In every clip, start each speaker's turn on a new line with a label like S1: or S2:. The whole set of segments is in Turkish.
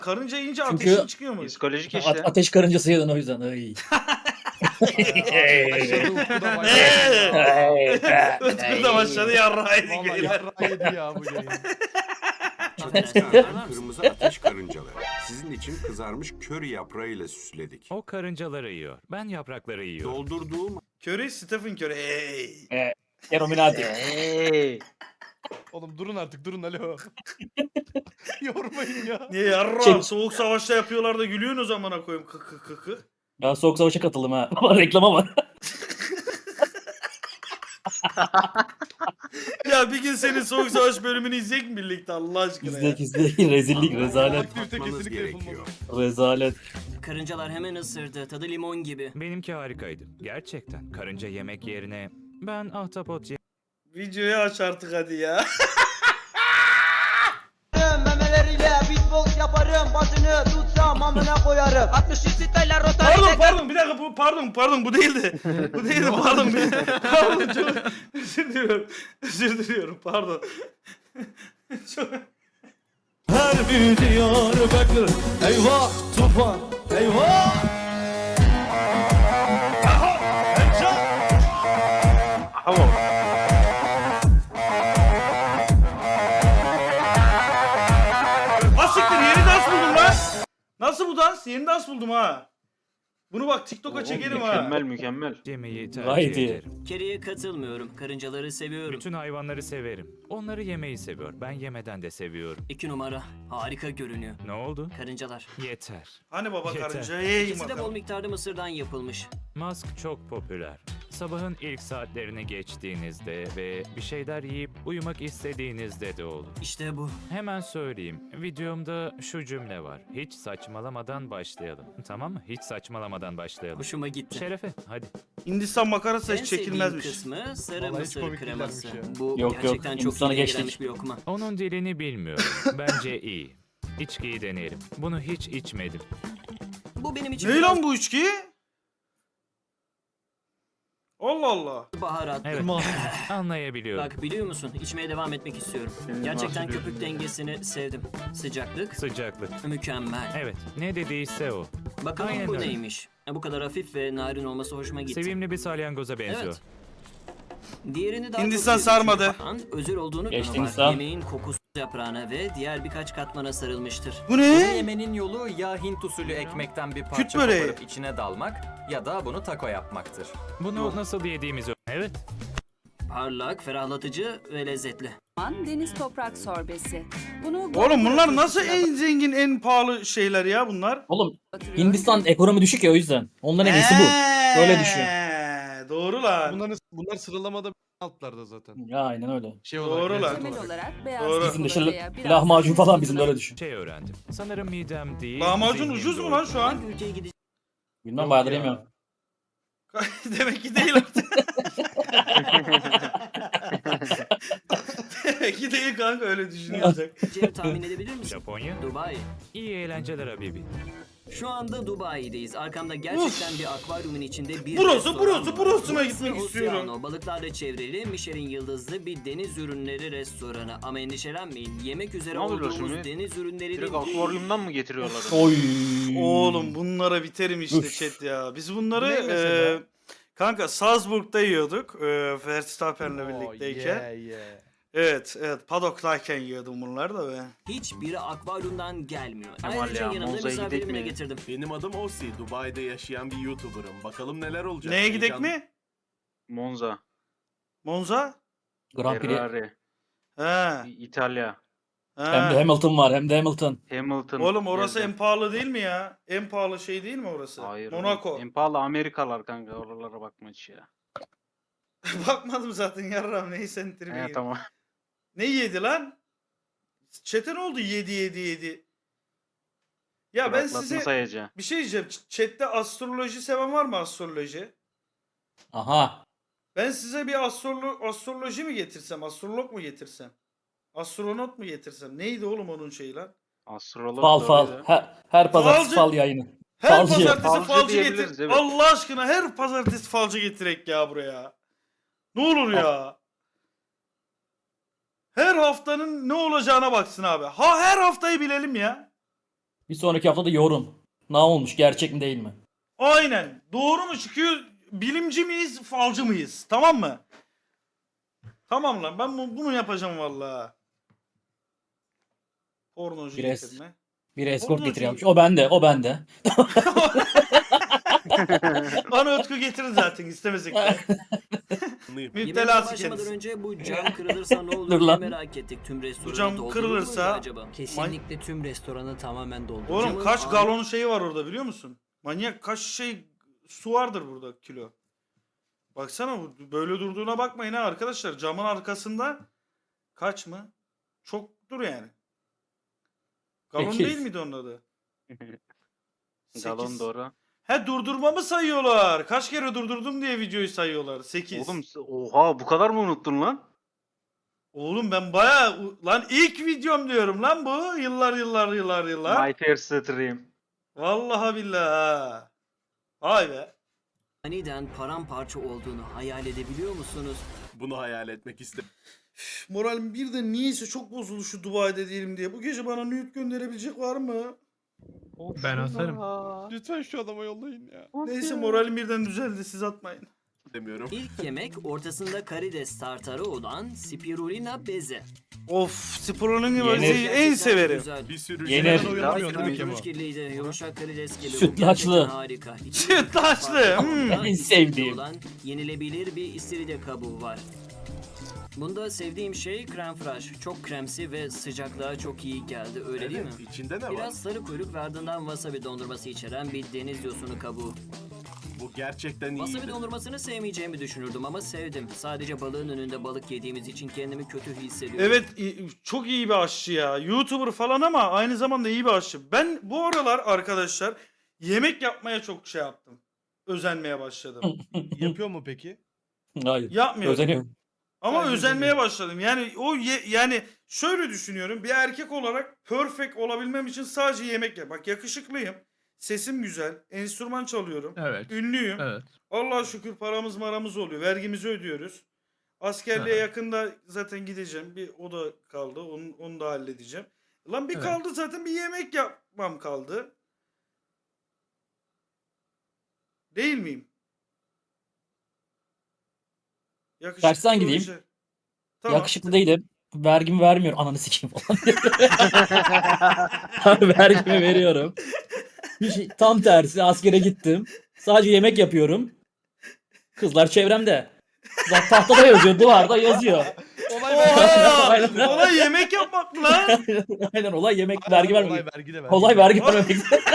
S1: Karınca yiyince
S2: Çünkü-
S1: ateşin çıkıyor mu?
S3: Psikolojik işte.
S2: Ateş karıncası yedin o yüzden. Ay.
S4: Başladı Utku da başladı.
S1: Utku da başladı yarrağı yedik
S4: Valla
S1: beyler.
S4: yarrağı yedi ya bu yayın.
S5: Çocuklar, kırmızı ateş karıncaları. Sizin için kızarmış köri yaprağıyla süsledik.
S6: O karıncaları yiyor. Ben yaprakları yiyorum.
S5: Doldurduğum
S1: Curry, Stephen Curry. Hey.
S2: Illuminati.
S3: Hey.
S4: Oğlum durun artık durun alo. Yormayın ya.
S1: Niye yarrağı?
S2: Çek.
S1: Soğuk savaşta yapıyorlar da gülüyorsun o zamana koyayım. Kı.
S2: Ben soğuk savaşa katıldım ha. Reklama var.
S1: Ya bir gün senin soğuk savaş bölümünü izleyecek mi birlikte Allah aşkına ya?
S2: İzlek. Rezillik, rezalet.
S4: Aktivite
S5: Bakmanız
S4: kesinlikle
S5: gerekiyor.
S4: yapılmalı.
S2: Rezalet.
S7: Karıncalar hemen ısırdı. Tadı limon gibi.
S6: Benimki harikaydı. Gerçekten. Karınca yemek yerine ben ahtapot
S1: Videoyu aç artık hadi ya.
S8: Memeleriyle beatbox yaparım. Başını tutsam amına koyarım. 63 siteyle rotayla.
S1: Pardon bir dakika pardon bu değildi. Bu değildi pardon. Pardon çok özür diliyorum pardon. Çok...
S9: Her bir Diyarbakır eyvah tufan eyvah.
S1: Asiktir yeni dans buldum lan. Nasıl bu dans? Yeni dans buldum ha. Bunu bak TikTok'a çekerim ha.
S3: Mükemmel.
S6: yemeyi
S2: Gayet
S6: tercih
S2: iyi.
S6: ederim.
S7: Keriye katılmıyorum. Karıncaları seviyorum.
S6: Bütün hayvanları severim. Onları yemeyi seviyor. Ben yemeden de seviyorum.
S7: 2 numara. Harika görünüyor.
S6: Ne oldu?
S7: Karıncalar.
S6: Yeter.
S1: Hani baba
S6: Yeter.
S1: karınca? Hey
S7: İkisi de bol
S1: bakalım.
S7: miktarda mısırdan yapılmış.
S6: Musk çok popüler. Sabahın ilk saatlerini geçtiğinizde ve bir şeyler yiyip uyumak istediğinizde de olur.
S7: İşte bu.
S6: Hemen söyleyeyim. Videomda şu cümle var. Hiç saçmalamadan başlayalım. Tamam mı? Hiç saçmalamadan başlayalım.
S7: Hoşuma gitti.
S6: Şerefe hadi.
S1: Hindistan makarası
S7: En
S1: hiç
S7: sevdiğim
S1: çekilmezmiş.
S7: kısmı sarı
S4: Vallahi hiç
S7: mısır
S4: komik
S7: kreması.
S4: değillermiş ya.
S7: Bu
S2: Yok,
S7: gerçekten çok
S2: Hindistan'a
S7: iyi
S2: geçtik.
S7: gelmiş bir lokma.
S6: Onun dilini bilmiyorum. Bence iyi. İçkiyi deneyelim. Bunu hiç içmedim.
S7: Bu benim için
S1: Ne
S7: biraz
S1: lan bu içki? Allah Allah.
S7: baharatlı.
S6: Evet. Anlayabiliyorum.
S7: Bak biliyor musun? İçmeye devam etmek istiyorum. Gerçekten köpük dengesini sevdim. Sıcaklık
S6: Sıcaklık.
S7: mükemmel.
S6: Evet. Ne dediyse o.
S7: Bakalım
S6: Aynen
S7: bu
S6: öyle.
S7: neymiş? Bu kadar hafif ve narin olması hoşuma gitti.
S6: Sevimli bir salyangoza benziyor.
S7: Evet. Diğerini daha
S1: Hindistan
S7: çok sevdim
S1: sarmadı.
S7: çünkü falan özel olduğunu
S2: Geçti
S7: kanıtlar.
S2: Hindistan.
S7: Yemeğin kokusu yaprağına ve diğer birkaç katmana sarılmıştır.
S1: Bu ne?
S10: Yemenin yolu ya Hint usulü ekmekten bir parça
S1: böreği.
S10: koparıp içine dalmak ya da bunu taco yapmaktır.
S6: Bunu nasıl yediğimizi... Evet.
S7: Parlak, ferahlatıcı ve lezzetli.
S11: Deniz toprak sorbesi. Bunu
S1: Oğlum bunlar nasıl en zengin en pahalı şeyler ya bunlar?
S2: Oğlum Hindistan ekonomi düşük ya o yüzden. Onların en iyisi bu. Böyle düşün.
S1: Doğru lan.
S4: Bunlar sıralamada altlarda zaten.
S2: Ya aynen öyle.
S4: Şey
S1: Doğru
S4: olarak,
S1: lan.
S4: lezzet
S11: temel
S4: olarak.
S11: olarak beyaz
S1: Doğru.
S2: Bizim de
S11: çikolataya biraz
S2: lahmacun falan bizim
S11: tuzla-
S2: böyle düşün.
S6: Şey öğrendim. Sanırım midem değil.
S1: Lahmacun
S6: zihnim
S1: ucuz mu
S6: doydu.
S1: lan şu an?
S7: Hangi ülkeye gideceğiz?
S2: Bilmem
S4: Yok
S2: bayağıdır
S4: ya.
S2: yemiyorum.
S1: Demek ki değil artık. Demek ki değil kanka öyle düşünüyorsak.
S7: tahmin edebilir misin?
S6: Japonya.
S7: Dubai.
S6: İyi eğlenceler Habibi.
S7: Şu anda Dubai'deyiz. Arkamda gerçekten bir akvaryumun içinde bir
S1: Burası,
S7: restoran
S1: burası,
S7: var.
S1: burasına gitmek
S7: Oceano,
S1: istiyorum.
S7: Balıklarla çevrili Michelin yıldızlı bir deniz ürünleri restoranı. Ama endişelenmeyin. Yemek üzere
S3: Ne oluyor
S7: olduğumuz
S3: şimdi?
S7: deniz ürünleri
S3: Direkt
S7: de...
S3: akvaryumdan mı getiriyorlar?
S2: Oy.
S1: Oğlum bunlara biterim işte
S2: Üf.
S1: chat ya. Biz
S4: Bu
S1: bunları
S4: ne mesela?
S1: kanka Salzburg'da yiyorduk. Verstappen'le birlikteyken.
S4: Oh, yeah.
S1: Evet, Paddock'tayken yiyordum bunları da be.
S7: Hiçbiri akvaryumdan gelmiyor.
S3: Kemal
S7: Ayrıca
S3: ya,
S7: yanımda
S3: Monza'ya
S7: misafirimi
S3: gidek
S7: de
S3: mi?
S7: getirdim.
S9: Benim adım Osi. Dubai'de yaşayan bir YouTuber'ım. Bakalım neler olacak.
S1: Neye gidek
S9: Heyecan-
S1: mi?
S3: Monza,
S1: Monza?
S2: Grand Prix.
S3: Ferrari,
S1: He.
S3: İtalya,
S2: Hem de
S1: He.
S2: Hamilton var hem de Hamilton.
S3: Hamilton.
S1: Oğlum orası
S3: Geldi.
S1: en pahalı değil mi ya? En pahalı şey değil mi orası?
S3: Hayır.
S1: Monaco.
S3: En pahalı Amerikalar kanka. Oralara bakma hiç ya.
S1: Bakmadım zaten yarram neyse tribe
S3: He tamam.
S1: Ne yedi lan? Chat'e ne oldu? Yedi. Ya ben
S3: Bıraklasın
S1: size
S3: sayacağım.
S1: bir şey diyeceğim. Chat'te astroloji seven var mı astroloji?
S2: Aha.
S1: Ben size bir astroloji mi getirsem? Astrolog mu getirsem? Astronot mu getirsem? Neydi oğlum onun şeyi lan?
S3: Astrolog
S2: Fal fal.
S3: doğruydu.
S2: Her pazartesi
S1: Falcı.
S2: fal yayını.
S1: Her
S2: Falcı.
S1: pazartesi
S3: Falcı
S1: falcı
S3: diyebiliriz,
S1: getir.
S3: evet.
S1: Allah aşkına her pazartesi falcı getirek ya buraya. Ne olur ya. Her haftanın ne olacağına baksın abi. Ha her haftayı bilelim ya.
S2: Bir sonraki hafta da yorum. Ne olmuş? Gerçek mi değil mi?
S1: Aynen. Doğru mu çıkıyor? Bilimci miyiz, falcı mıyız? Tamam mı? Tamam lan ben bunu yapacağım vallahi. Pornocu
S2: Bir
S1: getirme.
S2: Bir escort
S1: Pornocu-
S2: getiriyormuş. O bende, o bende.
S1: Bana Utku getirir zaten istemesek de.
S7: Yemeğe
S1: Müptelası
S7: başlamadan
S1: kendisi.
S7: önce bu cam kırılırsa ne olur
S2: Dur
S7: diye
S2: lan.
S7: merak ettik. Tüm restoranı
S1: cam
S7: doldurur
S1: kırılırsa-
S7: muydu acaba?
S8: Kesinlikle tüm restoranı tamamen dolduracağım.
S1: Oğlum
S7: Camın
S1: kaç
S7: ağ-
S1: galon şeyi var orada biliyor musun? Manyak kaç şey su vardır burada kilo. Baksana böyle durduğuna bakmayın ha arkadaşlar. Camın arkasında kaç mı? Çoktur yani. Galon
S2: 8.
S1: değil miydi onun adı?
S3: Galon
S1: 8.
S3: doğru.
S1: He durdurmamı sayıyorlar. Kaç kere durdurdum diye videoyu sayıyorlar. 8.
S3: Oğlum oha bu kadar mı unuttun lan?
S1: Oğlum ben baya lan ilk videom diyorum lan bu. Yıllar.
S3: My first stream.
S1: Vallahi billahi ha. Vay be.
S7: Aniden paramparça olduğunu hayal edebiliyor musunuz?
S9: Bunu hayal etmek istedim.
S1: Moralim birden niyeyse çok bozuldu şu Dubai'de değilim diye. Bu gece bana nude gönderebilecek var mı?
S4: Ben asarım. Lütfen şu adama yollayın ya.
S1: Neyse moralim birden düzeldi siz atmayın.
S9: Demiyorum.
S7: İlk yemek ortasında karides tartarı olan spirulina beze.
S1: Of Spor'un
S2: Yenir.
S1: en
S7: Gerçekten
S1: severim.
S7: güzel.
S9: Bir sürü
S2: Yenir.
S9: şey-
S4: Ben uyanamıyorum
S7: Biraz
S4: değil mi Kemo?
S7: kürkilliydi, yumuşak karides gibi. Bu
S2: Sütlaçlı.
S7: gerçekten harika. İçinde
S1: Sütlaçlı,
S7: farklı
S1: hmm.
S7: farklı
S2: En
S7: isimli
S2: sevdiğim.
S7: olan yenilebilir bir istiridye kabuğu var. Bunda sevdiğim şey krem fraiche. Çok kremsi ve sıcaklığa çok iyi geldi. Öyle değil mi?
S9: Evet, içinde ne var?
S7: Biraz sarı kuyruk ve ardından wasabi dondurması içeren bir deniz yosunu kabuğu.
S9: Bu gerçekten
S7: Wasabi
S9: iyi.
S7: dondurmasını sevmeyeceğimi düşünürdüm ama sevdim. Sadece balığın önünde balık yediğimiz için kendimi kötü hissediyorum.
S1: Evet çok iyi bir aşçı ya. YouTuber falan ama aynı zamanda iyi bir aşçı. Ben bu aralar arkadaşlar yemek yapmaya çok şey yaptım. Özenmeye başladım.
S4: Yapıyor mu peki?
S2: Hayır.
S1: Yapmıyorum.
S2: Özeniyorum.
S1: Ama
S4: Sadece
S1: özenmeye
S4: özeniyorum.
S1: başladım. Yani yani şöyle düşünüyorum. Bir erkek olarak perfect olabilmem için sadece yemek yap. Bak yakışıklıyım. Sesim güzel. Enstrüman çalıyorum.
S4: Evet.
S1: Ünlüyüm.
S4: Evet.
S1: Allah'a şükür paramız maramız oluyor. Vergimizi ödüyoruz. Askerliğe
S4: Aha.
S1: yakında zaten gideceğim. Bir o da kaldı. Onu da halledeceğim. Lan bir
S4: Evet.
S1: kaldı zaten bir yemek yapmam kaldı. Değil miyim? Yakışıklı
S2: Tersten gideyim.
S1: olacak. Tamam.
S2: Yakışıklı değilim. Vergimi vermiyor. Ananı sikeyim falan. Vergimi veriyorum. Tam tersi askere gittim. Sadece yemek yapıyorum. Kızlar çevremde. Zaten tahtada yazıyor, duvarda yazıyor.
S1: Oha!
S2: Aynen.
S1: Olay yemek yapmak mı lan?
S2: Aynen olay yemek, vergi
S4: Olay
S2: vermemek.
S4: vergi de ver.
S2: Olay vergi vermemek.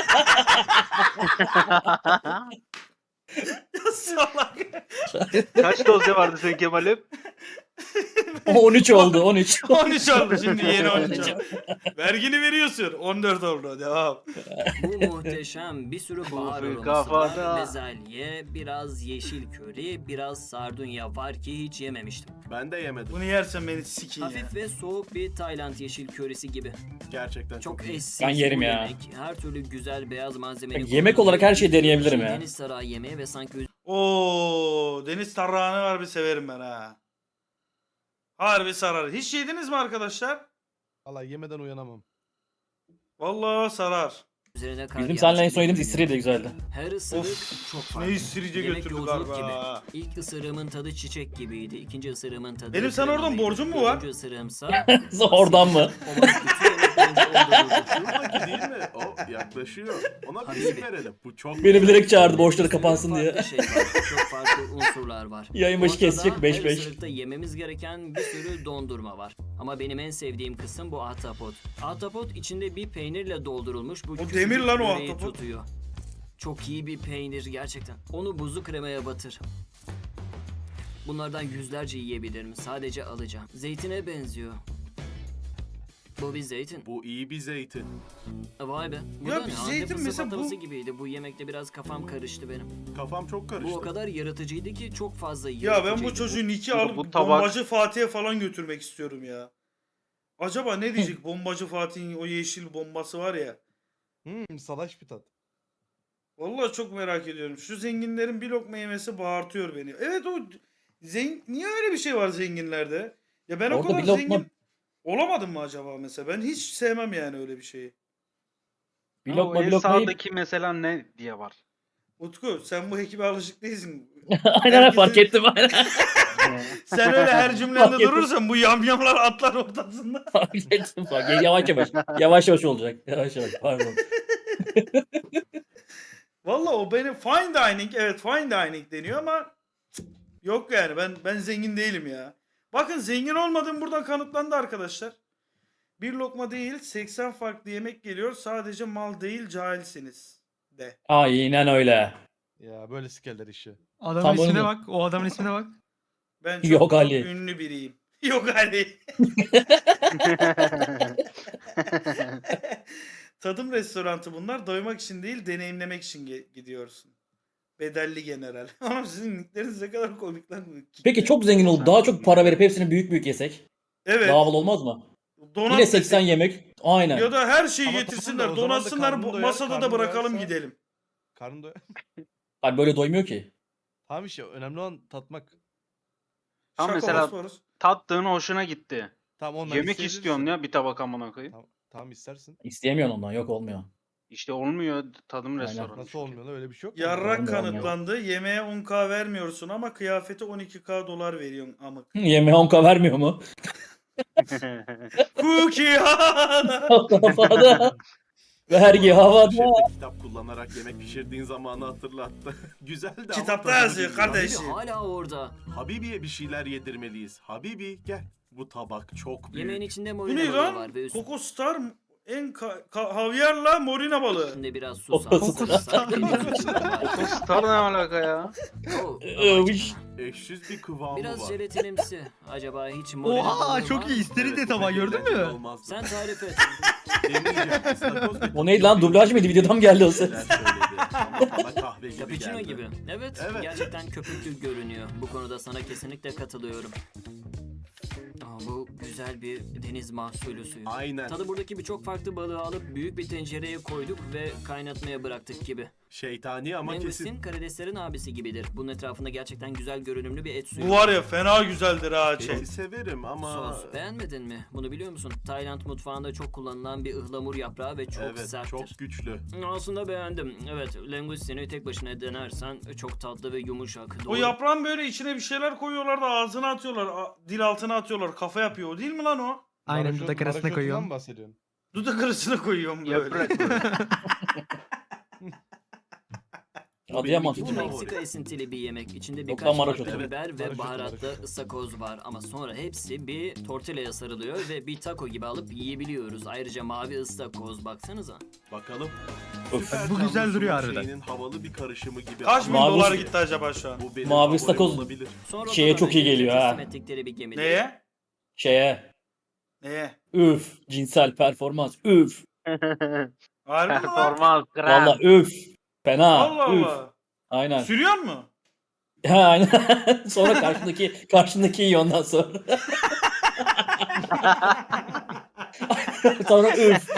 S1: Ya salak.
S3: Kaç dosya vardı senin Kemal'im?
S2: 13 oldu, 13.
S1: 13 oldu şimdi yeni 13 oldu. Vergini veriyorsun. 14 oldu. Devam.
S7: Bu muhteşem bir sürü bahar
S3: Kufi
S7: aroması
S3: kafada.
S7: var. Bezelye, biraz yeşil köri, biraz sardunya var ki hiç yememiştim.
S9: Ben de yemedim.
S1: Bunu yersen beni sikeyim ya.
S7: Hafif ve soğuk bir Tayland yeşil körisi gibi.
S9: Gerçekten çok,
S7: Çok
S9: iyi.
S7: eşsiz
S2: Ben yerim
S7: bu
S2: ya.
S7: yemek. Her türlü güzel beyaz malzemeli.
S2: Yemek olarak her şeyi deneyebilirim ya.
S7: Deniz sarayı yemeği ve sanki
S1: Oo, deniz tarağını var bir severim ben ha. Harbi sarar. Hiç yediniz mi arkadaşlar?
S4: Valla yemeden uyanamam.
S1: Vallahi sarar.
S7: üzerine kar
S2: Bizim seninle en
S7: yağmış
S2: son yediğimiz
S7: gibi
S2: istiridye de
S7: görünüyor.
S2: güzeldi.
S7: Her ısırık
S1: Of,
S7: çok farklı.
S1: Ne istirici
S7: Yemek
S1: götürdü
S7: yolculuk
S1: galiba.
S7: gibi. İlk ısırığımın tadı çiçek gibiydi. İkinci ısırığımın tadı...
S1: Benim sana oradan
S7: kremamıydı.
S1: borcum mu var?
S7: Dördüncü ısırığımsa...
S2: Oradan mı?
S7: Olan bütün yemek boyunca dolduruldu.
S9: Şuradaki değil mi? O yaklaşıyor. Ona bir isim verelim. Bu çok
S2: Beni bilerek çağırdı
S7: Bir
S2: borçları
S7: sürü
S2: kapansın
S7: farklı
S2: diye.
S7: şey var. Çok farklı unsurlar var.
S2: Yayın başı
S7: Ortada
S2: kesecek 5-5.
S7: Her ısırıkta yememiz gereken bir sürü dondurma var. Ama benim en sevdiğim kısım bu ahtapot. Ahtapot içinde bir peynirle doldurulmuş bu küçücük
S1: demir lan o
S7: yüreği
S1: ahtapot.
S7: tutuyor. Çok iyi bir peynir gerçekten. Onu buzlu kremaya batır. Bunlardan yüzlerce yiyebilirim. Sadece alacağım. Zeytine benziyor. Bu bir zeytin.
S9: Bu iyi bir zeytin.
S7: Vay be. Bu
S1: Ya
S7: da
S1: bir
S7: ne?
S1: zeytin
S7: Antep
S1: mesela
S7: fıstık
S1: bu-
S7: patlaması gibiydi. Bu yemekte biraz kafam karıştı benim.
S9: Kafam çok karıştı.
S7: Bu o kadar yaratıcıydı ki çok fazla
S1: Ya
S7: yaratıcıydı.
S1: ben bu çocuğu Nick'i
S3: Bu
S1: alıp
S3: tabak-
S1: bombacı Fatih'e falan götürmek istiyorum ya. Acaba ne diyecek bombacı Fatih'in o yeşil bombası var ya.
S4: Salaş bir tat.
S1: Vallahi çok merak ediyorum. Şu zenginlerin bir lokma yemesi bağırtıyor beni. Evet o niye öyle bir şey var zenginlerde? Ya ben o
S2: Orada
S1: kadar
S2: bir lokma-
S1: zengin olamadım mı acaba mesela? Ben hiç sevmem yani öyle bir şeyi.
S2: Bir
S3: Ama o
S2: lokma bir
S3: en
S2: lokma yiyip.
S3: sağdaki mesela ne diye var.
S1: Utku sen bu ekibe alışık değilsin.
S2: Aynen fark ettim aynen.
S1: Sen öyle her
S2: Fark
S1: cümlende
S2: ettim.
S1: durursan bu yamyamlar atlar ortasında.
S2: Fark ettim fark. Yavaş yavaş. Yavaş yavaş olacak. Yavaş yavaş. Pardon.
S1: Valla o benim fine dining, evet fine dining deniyor ama cık, yok yani ben zengin değilim ya. Bakın zengin olmadığım buradan kanıtlandı arkadaşlar. Bir lokma değil 80 farklı yemek geliyor, sadece mal değil cahilsiniz de.
S2: Aynen öyle.
S4: Ya böyle sikerler işi. Adamın
S2: Tam
S4: ismine
S2: onu-
S4: bak. O adamın ismine bak.
S1: Ben çok,
S2: Yok
S1: çok
S2: Ali.
S1: ünlü biriyim. Yok Ali. Tadım restoranı bunlar. Doymak için değil, deneyimlemek için gidiyorsun. Bedelli general. Ama sizin nickleriniz ne kadar komik lan.
S2: Peki çok zengin olup daha çok para verip hepsini büyük büyük yesek.
S1: Evet.
S2: Daha havalı olmaz mı?
S1: Donat
S2: Yine 80
S1: desek.
S2: yemek. Aynen.
S1: Ya da her şeyi
S4: Ama
S1: getirsinler,
S4: tamam da o zaman da
S1: donatsınlar,
S4: karnın doyar,
S1: masada da
S4: karnın
S1: bırakalım
S4: doyarsa-
S1: gidelim.
S4: Karnın doyar.
S2: Abi böyle doymuyor ki.
S4: Tamam işte önemli olan tatmak.
S3: Tamam,
S1: Şaka
S3: mesela-
S1: Bosforus.
S3: Tattığın hoşuna gitti.
S4: Tamam ondan
S3: Yemek
S4: isteyebilirsin.
S3: istiyorsun ya bir tabak amına koyayım.
S4: Tamam istersin.
S2: İsteyemiyorsun ondan. Yok olmuyor.
S3: İşte olmuyor tadım
S2: Aynen.
S3: restoranı.
S4: Nasıl olmuyor lan öyle bir şey yok mu?
S1: Yarrak
S2: Olmuyor,
S1: kanıtlandı. Yemeğe 10k vermiyorsun ama kıyafete 12k dolar veriyorsun amık.
S2: Yemeğe 10k vermiyor mu?
S1: Cookie
S2: Havada. Vergi havada.
S9: Şefte kitap kullanarak yemek pişirdiğin zamanı hatırlattı. Güzeldi ama
S1: Kitapta
S9: tadını
S1: yazıyor
S9: bilmiyorum.
S1: kardeş.
S7: Habibi hala orada.
S9: Habibi'ye bir şeyler yedirmeliyiz. Habibi gel. Bu tabak çok büyük.
S7: Yemeğin içinde
S1: Bu
S7: morina
S1: ne
S7: balığı
S1: lan?
S7: var ve
S1: Coco Star en havyarla morina balığı.
S7: üstünde biraz
S2: Coco
S7: susam.
S2: Star.
S7: sarımsak ve bir sucuk var.
S3: Star ne alaka ya?
S7: Oh,
S2: Övüş.
S9: Eşsiz bir kıvamı
S7: biraz
S9: var.
S7: jelatinimsi. Acaba hiç morina balığı
S4: Oha
S7: var
S4: çok
S7: mı?
S4: iyi. İsteri de tabağı gördün
S9: eğlenceli
S4: mü?
S9: olmazdı.
S7: Sen tarif et.
S9: Deneyeceğim. İstakoz ve
S2: O neydi lan? Dublaj mıydı? Videodan mı geldi o ses?
S9: şeyler söyledi. Ama bana kahve gibi
S7: Cappuccino
S9: geldi.
S7: gibi. Evet,
S9: Evet.
S7: gerçekten köpüklü görünüyor. Bu konuda sana kesinlikle katılıyorum. Bu güzel bir deniz mahsulü suyu.
S9: Aynen.
S7: Tadı buradaki birçok farklı balığı alıp büyük bir tencereye koyduk ve kaynatmaya bıraktık gibi.
S9: Şeytani ama kesin.
S7: Mangustin karideslerin abisi gibidir. Bunun etrafında gerçekten güzel görünümlü bir et suyu.
S1: Bu var ya fena güzeldir ha şey.
S9: Eti severim ama...
S7: Sos beğenmedin mi? Bunu biliyor musun? Tayland mutfağında çok kullanılan bir ıhlamur yaprağı ve çok
S9: Evet
S7: serttir.
S9: çok güçlü.
S7: Aslında beğendim. Evet, langustini tek başına denersen çok tatlı ve yumuşak.
S1: O
S7: Doğru.
S1: yaprağın böyle içine bir şeyler koyuyorlar da ağzına atıyorlar, dil altına atıyorlar, kafa yapıyor. O değil mi lan o?
S4: Aynen dudak arasına
S9: Maraşotundan
S4: koyuyorum.
S9: mı bahsediyorsun?
S1: Dudak arasına koyuyorum böyle.
S3: Yaprak böyle.
S2: Adıyaman
S7: Bu
S9: benim
S2: sucuğu.
S9: favori.
S7: Meksika esintili bir yemek. İçinde
S2: Yok
S7: birkaç
S2: lan, maraşotu.
S7: farklı
S9: Evet,
S7: biber ve
S9: maraşotu,
S7: baharatlı
S9: maraşotu.
S7: ıstakoz var. Ama sonra hepsi bir tortillaya sarılıyor ve bir taco gibi alıp yiyebiliyoruz. Ayrıca mavi ıstakoz baksanıza.
S9: Bakalım.
S2: Öf.
S9: Süper
S4: Bu güzel
S9: Tanrı
S4: duruyor
S9: Sulu
S4: harbiden.
S9: şeyinin havalı bir karışımı gibi.
S1: Kaç bin
S2: Mavi
S1: dolar
S2: su-
S1: gitti acaba şu an?
S9: Bu benim
S2: Mavi
S9: favorim
S2: ıstakoz-
S9: olabilir.
S7: Sonra
S2: Şeye
S7: daha
S2: çok iyi
S7: önce
S2: geliyor
S7: teslim
S2: ha.
S7: ettikleri bir gemide.
S1: Neye?
S2: Şeye.
S1: Neye?
S2: Üf. Cinsel performans. Üf.
S1: Harbi mi lan?
S3: Performans krem.
S2: Valla üf. Fena.
S1: Allah
S2: Üf.
S1: Allah.
S2: Aynen.
S1: Sürüyor mu?
S2: Ha, aynen. Sonra karşındaki yiyor ondan sonra. Sonra üf.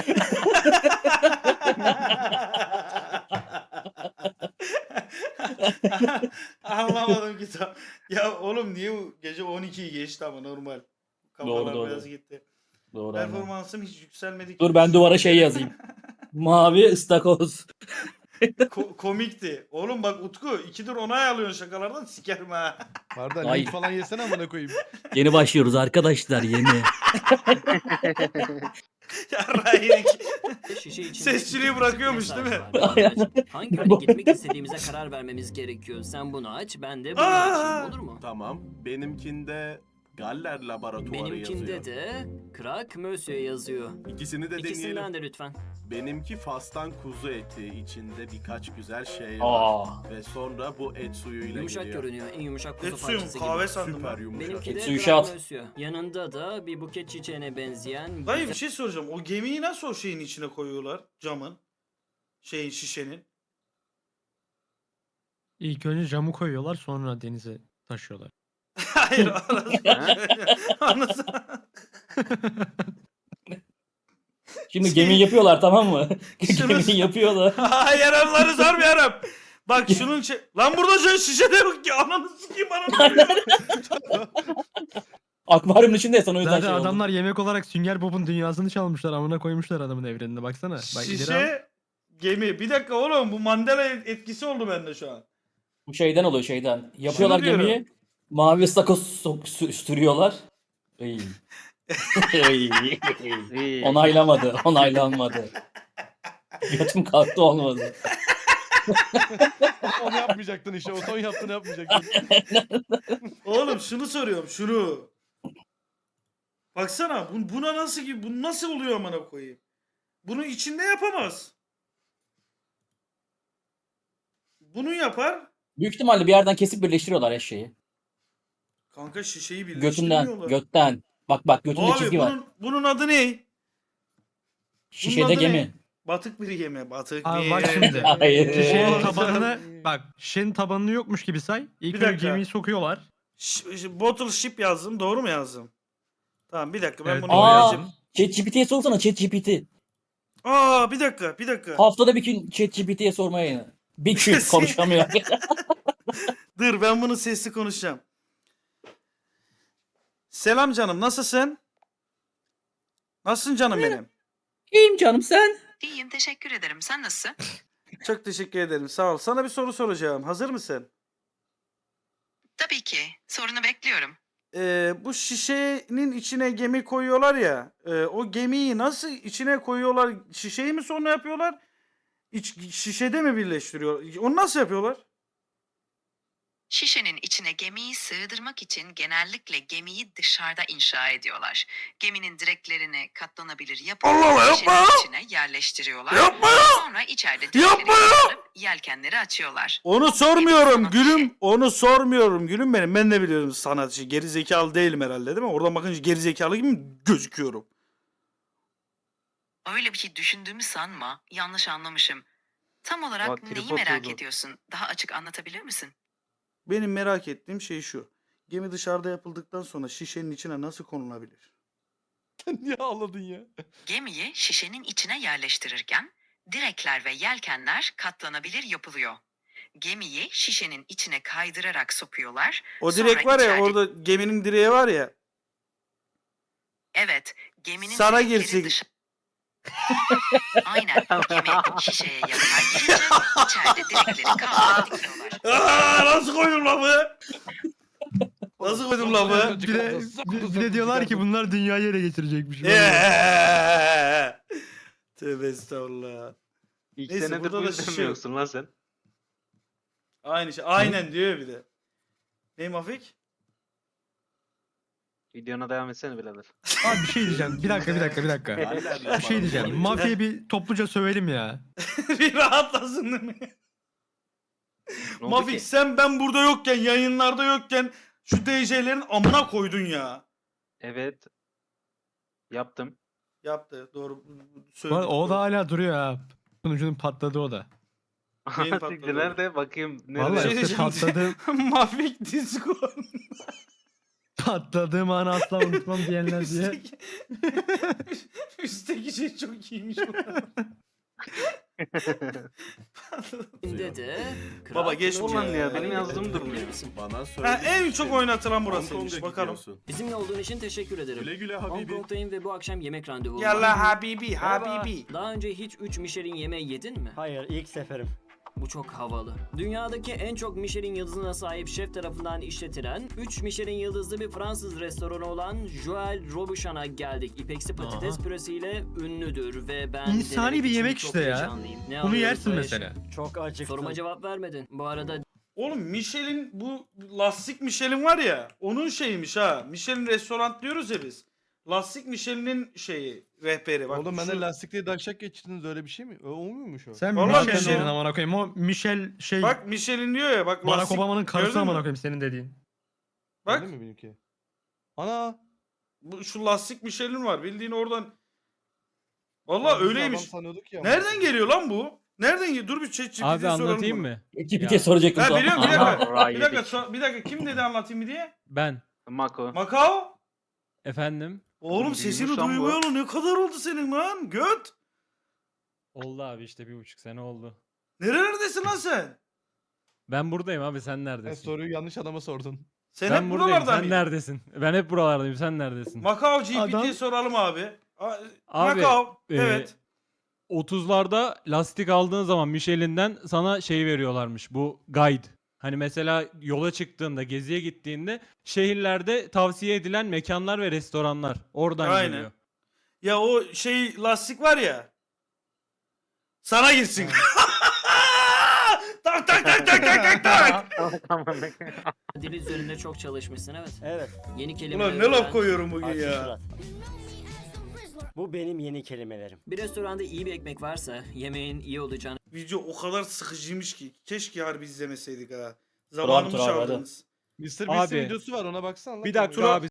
S1: Anlamadım ki tam. Ya oğlum niye bu gece 12'yi geçti ama normal. Kafalar
S2: Doğru.
S1: biraz gitti.
S2: Doğru. aynen.
S1: Performansım hiç yükselmedi.
S2: Dur ben duvara şey yazayım. Mavi ıstakoz.
S1: Komikti. Oğlum bak Utku 2'dir onay alıyorsun şakalardan sikerim ha.
S4: Pardon
S2: Ay.
S4: link falan yesene amına koyayım.
S2: Yeni başlıyoruz arkadaşlar yeni.
S1: Yarrayın.
S7: Şişe içinde
S1: Sesçiliği
S7: iki
S1: bırakıyormuş,
S7: mesaj
S1: değil mi?
S7: var. Aç. Hangi yöne gitmek istediğimize karar vermemiz gerekiyor. Sen bunu aç, ben de bunu açayım. Olur mu?
S9: Tamam. Benimkinde Galler Laboratuvarı
S7: Benimkinde
S9: yazıyor.
S7: de Krak Monsieur yazıyor.
S9: İkisini de deneyelim.
S7: İkisinden de lütfen.
S9: Benimki Fas'tan kuzu eti. İçinde birkaç güzel şey var.
S2: Aa.
S9: Ve sonra bu et suyuyla
S7: Yumuşak
S9: geliyor.
S7: görünüyor. En yumuşak kuzu
S1: Et suyu mu?
S7: parçası gibi.
S1: Kahve sandım
S9: Süper
S1: ben.
S9: yumuşak.
S7: Benimki de
S2: Suyu
S7: Krak
S2: şat.
S7: Monsieur. Yanında da bir buket çiçeğine benzeyen
S1: Dayı bir şey soracağım. O gemiyi nasıl o şeyin içine koyuyorlar? Camın. Şeyin şişenin.
S4: İlk önce camı koyuyorlar sonra denize taşıyorlar.
S1: Hayır anasını.
S2: Şimdi
S1: Şey-
S2: gemi yapıyorlar tamam mı?
S1: Şunu-
S2: Gemi yapıyorlar.
S1: Hayır onları sormuyorum. Bak şunun şey... Lan burada şey şişede yok ki. Ananı sikeyim ananı.
S2: Akvaryumun içinde sana o yüzden
S4: Zaten
S2: şey oldu.
S4: adamlar yemek olarak Sünger Bob'un dünyasını çalmışlar amına koymuşlar adamın evrenine baksana. Bak ileri al.
S1: Şişe... Gemi. Bir dakika oğlum bu Mandela etkisi oldu bende şu an.
S2: Bu şeyden oluyor şeyden. Yapıyorlar
S1: diyorum.
S2: gemiyi. Mavi sakız sürüyorlar. Ey. Ey.
S3: İyi.
S2: Onaylanmadı. Götüm kalktı olmadı.
S4: Onu yapmayacaktın işte. O son yaptığını yapmayacaktın.
S1: Oğlum şunu soruyorum şunu. Baksana buna nasıl ki bu nasıl oluyor amına koyayım? Bunu içinde yapamaz. Bunu yapar.
S2: Büyük ihtimalle bir yerden kesip birleştiriyorlar eşeği.
S1: Kanka şişeyi
S2: Götünden,
S1: birleştirmiyorlar.
S2: götten. Bak götünde
S1: Abi
S2: çizgi var.
S1: bunun adı ne?
S2: Şişede
S1: adı
S2: gemi.
S1: ne? Batık bir gemi. Batık
S4: Abi
S1: bir
S4: bak
S1: gemi.
S4: şimdi.
S2: Hayır.
S4: Şişenin tabanını bak. Şişenin tabanını yokmuş gibi say. İlk
S1: Bir
S4: önce
S1: dakika.
S4: gemiyi sokuyorlar.
S1: Bottle ship yazdım. Doğru mu yazdım? Tamam bir dakika ben
S4: Evet,
S1: bunu
S4: doğru
S2: Aa,
S1: yazacağım.
S2: ChatGPT'ye sorsana ChatGPT.
S1: Aa bir dakika.
S2: Haftada bir gün ChatGPT'ye sormaya yine. Bir gün
S1: Kesin.
S2: konuşamıyor.
S1: Dur ben bunu sesli konuşacağım. Selam canım nasılsın? Nasılsın canım benim?
S2: İyiyim canım sen.
S11: İyiyim, teşekkür ederim. Sen nasılsın?
S1: Çok teşekkür ederim sağ ol. Sana bir soru soracağım. Hazır mısın?
S11: Tabii ki. Sorunu bekliyorum.
S1: Bu şişenin içine gemi koyuyorlar ya. O gemiyi nasıl içine koyuyorlar? Şişeyi mi sonra yapıyorlar? Şişede mi birleştiriyor? Onu nasıl yapıyorlar?
S11: Şişenin içine gemiyi sığdırmak için genellikle gemiyi dışarıda inşa ediyorlar. Geminin direklerini katlanabilir yapıp
S1: Allah Allah,
S11: şişenin
S1: yapma!
S11: içine yerleştiriyorlar.
S1: Yapma!
S11: Sonra içeride
S1: Yapma!
S11: direkleri kaldırıp yelkenleri açıyorlar.
S1: Onu sormuyorum
S11: Gemi sana
S1: gülüm. Onu sormuyorum gülüm benim. Ben de biliyorum sanatçı. Geri zekalı değilim herhalde değil mi? Oradan bakınca geri zekalı gibi mi gözüküyorum?
S11: Öyle bir şey düşündüğümü sanma. Yanlış anlamışım. Tam olarak
S3: Bak,
S11: neyi
S3: trip
S11: merak
S3: atıyordu.
S11: ediyorsun? Daha açık anlatabilir misin?
S1: Benim merak ettiğim şey şu. Gemi dışarıda yapıldıktan sonra şişenin içine nasıl konulabilir?
S4: Niye ağladın ya?
S11: Gemiyi şişenin içine yerleştirirken direkler ve yelkenler katlanabilir yapılıyor. Gemiyi şişenin içine kaydırarak sokuyorlar.
S1: O
S11: Sonra
S1: direk var ya
S11: içeride-
S1: orada geminin direği var ya.
S11: Evet, geminin
S1: Sana
S11: direkleri
S1: girsin.
S11: Aynen, gemi şişeye yatay girince içeride direkleri kaldırıp dikiyorlar.
S1: Aa, nasıl koydum lafı? Nasıl koydum lafı?
S4: Bir de diyorlar ki bunlar dünyayı ele geçirecekmiş.
S1: Tövbe estağfurullah.
S3: İlk
S1: Neyse,
S3: senedir
S1: burada
S3: bu
S1: da
S3: yüzden
S1: şişe
S3: mi
S1: yok.
S3: yoksun lan sen?
S1: Aynı şey. Aynen diyor bir de. Ney Mafik?
S3: Videona devam etsene birader.
S4: Abi bir şey diyeceğim. Bir dakika. Bir şey diyeceğim. Mafyayı bir topluca sövelim ya.
S1: Bir rahatlasın değil mi?
S3: Ne oldu
S1: Mafik
S3: ki?
S1: sen ben burada yokken, yayınlarda yokken şu DJ'lerin amına koydun ya.
S3: Evet. Yaptım.
S1: Yaptı. Doğru.
S4: Bu
S1: Söyledik.
S4: arada o
S1: doğru.
S4: da hala duruyor ha. Sunucunun patladı o da.
S1: Neyin
S3: Siktir,
S1: patladı?
S3: nerede? Bakayım. Nerede?
S4: Vallahi
S1: Şey
S4: işte
S1: diyeceğim.
S4: patladı.
S1: Mafik Discord.
S4: Patladığım anı asla unutmam diyenler diye.
S1: Üstteki şey çok iyiymiş bu arada.
S7: de
S1: Baba geç
S3: Ulan
S1: bunu
S3: ya, benim yazdığım durmuyor.
S9: Bana
S1: Ha,
S9: söyle.
S1: en çok oynatılan burasıymış. Bakalım.
S7: Bizimle olduğun için teşekkür ederim.
S9: Güle güle
S7: Hong
S9: Habibi.
S7: Kong'dayım ve bu akşam yemek randevum var.
S1: Yallah Habibi,
S7: Merhaba.
S1: Habibi.
S7: Daha önce hiç 3 Michelin yemeği yedin mi?
S8: Hayır ilk seferim.
S7: Bu çok havalı. Dünyadaki en çok Michelin yıldızına sahip şef tarafından işletilen 3 Michelin yıldızlı bir Fransız restoranı olan Joël Robuchan'a geldik. İpeksi patates
S4: Aha.
S7: püresiyle ünlüdür ve ben
S4: İnsani
S7: denemek
S4: bir
S7: için
S4: yemek
S7: çok
S4: işte ya.
S7: heyecanlıyım. Ne
S4: Bunu
S7: alıyoruz
S4: yersin
S7: Barış?
S4: mesela.
S8: Çok acıktım.
S7: Soruma cevap vermedin. Bu arada
S1: Oğlum Michelin bu lastik Michelin var ya onun şeyiymiş ha. Michelin restoran diyoruz ya biz. Lastik Michelin'in şeyi rehberi. Bak,
S4: Oğlum ben
S1: şu-
S4: de lastikli daşak geçtiniz öyle bir şey mi? O muymuş o? Sen
S1: Vallahi
S4: Michel
S1: Michel-
S4: dedin amına koyayım. O Michel şey
S1: Bak Michelin diyor ya bak
S4: Barack
S1: lastik.
S4: Obama'nın karısı
S1: Gördün mü?
S4: amına koyayım senin dediğin.
S1: Bak
S4: Öyle mi benimki? Ana.
S1: şu lastik Michelin var bildiğin oradan. Vallahi öyleymiş.
S4: Sanıyorduk ya.
S1: Nereden geliyor lan bu? Nereden geliyor? Dur bir ChatGPT'ye soralım bunu.
S2: ChatGPT'ye soracaktım.
S1: Ha
S2: sana.
S1: biliyorum bir
S2: Aha.
S1: dakika. Bir dakika, bir dakika kim dedi anlatayım mı diye?
S12: Ben.
S3: Mako.
S1: Macao?
S12: Efendim?
S1: Oğlum
S3: Büyümüş
S1: sesini
S3: lan bu.
S1: duymayalı ne kadar oldu senin lan? Göt.
S12: Oldu abi işte 1,5 sene oldu.
S1: Nerelerdesin lan sen?
S12: Ben buradayım abi sen
S4: Sen
S12: neredesin?
S4: soruyu yanlış adama sordun.
S1: Sen
S12: Ben
S1: hep
S12: buradayım
S1: buralarda
S12: sen
S1: mıydın?
S12: neredesin? Ben hep buralardayım sen neredesin?
S1: Macao GPT'ye
S4: Adam-
S1: soralım abi.
S12: Abi,
S1: Macao.
S12: e,
S1: Evet.
S12: 30'larda lastik aldığın zaman Michelin'den sana şey veriyorlarmış. Bu guide. Hani mesela yola çıktığında, geziye gittiğinde şehirlerde tavsiye edilen mekanlar ve restoranlar. Oradan
S1: Aynen.
S12: geliyor.
S1: Ya o şey lastik var ya. Sana girsin. tak tak tak tak tak tak tak.
S7: Dil üzerinde çok çalışmışsın, evet.
S13: Evet.
S7: Yeni kelimeler
S1: Ulan ne laf
S7: öğren.
S1: koyuyorum bugün
S13: Açık
S1: ya.
S13: surat. Bu benim yeni kelimelerim.
S7: Bir restoranda iyi bir ekmek varsa yemeğin iyi olacağını
S1: Video o kadar sıkıcıymış ki. Keşke harbi izlemeseydik ha.
S2: Tur abi,
S1: Zamanımı
S2: tur abi, hadi.
S1: çaldınız.
S12: Mr. Beast'in
S3: videosu
S12: var, ona baksana.
S3: Bir dakika abi.